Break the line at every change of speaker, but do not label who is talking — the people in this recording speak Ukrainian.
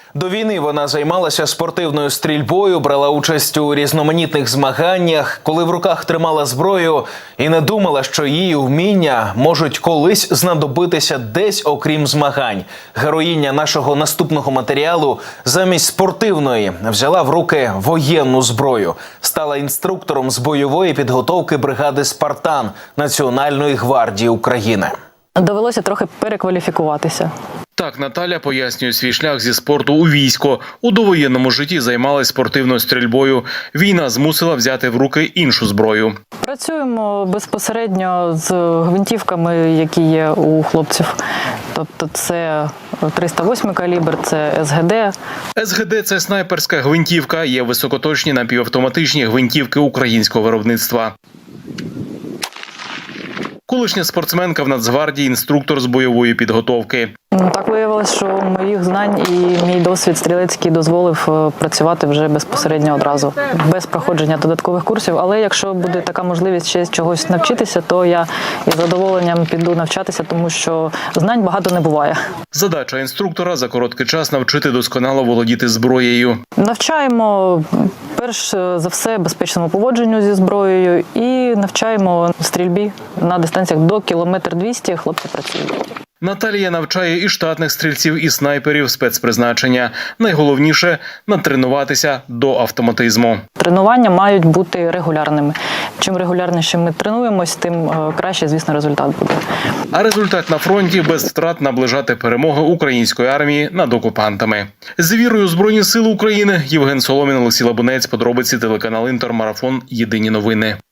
До війни вона займалася спортивною стрільбою, брала участь у різноманітних змаганнях, коли в руках тримала зброю і не думала, що її вміння можуть колись знадобитися десь окрім змагань. Героїня нашого наступного матеріалу замість спортивної взяла в руки воєнну зброю. Стала інструктором з бойової підготовки бригади «Спартан» Національної гвардії України.
Довелося трохи перекваліфікуватися.
Так Наталя пояснює свій шлях зі спорту у військо. У довоєнному житті займалась спортивною стрільбою. Війна змусила взяти в руки іншу зброю.
Працюємо безпосередньо з гвинтівками, які є у хлопців. Тобто це 308 калібр, це СГД.
СГД – це снайперська гвинтівка, є високоточні напівавтоматичні гвинтівки українського виробництва. Колишня спортсменка в Нацгвардії, інструктор з бойової підготовки.
Так виявилось, що моїх знань і мій досвід стрілецький дозволив працювати вже безпосередньо одразу, без проходження додаткових курсів. Але якщо буде така можливість ще чогось навчитися, то я із задоволенням піду навчатися, тому що знань багато не буває.
Задача інструктора – за короткий час навчити досконало володіти зброєю.
Навчаємо, перш за все, безпечному поводженню зі зброєю і навчаємо стрільбі на дистанціях до 1,2 км хлопці працюють.
Наталія навчає і штатних стрільців, і снайперів спецпризначення. Найголовніше – натренуватися до автоматизму.
Тренування мають бути регулярними. Чим регулярніше ми тренуємось, тим краще, звісно, результат буде.
А результат на фронті – без втрат наближати перемоги української армії над окупантами. З вірою у Збройні Сили України. Євген Соломін, Олексій Лабунець. Подробиці телеканал Інтер. Марафон. Єдині новини.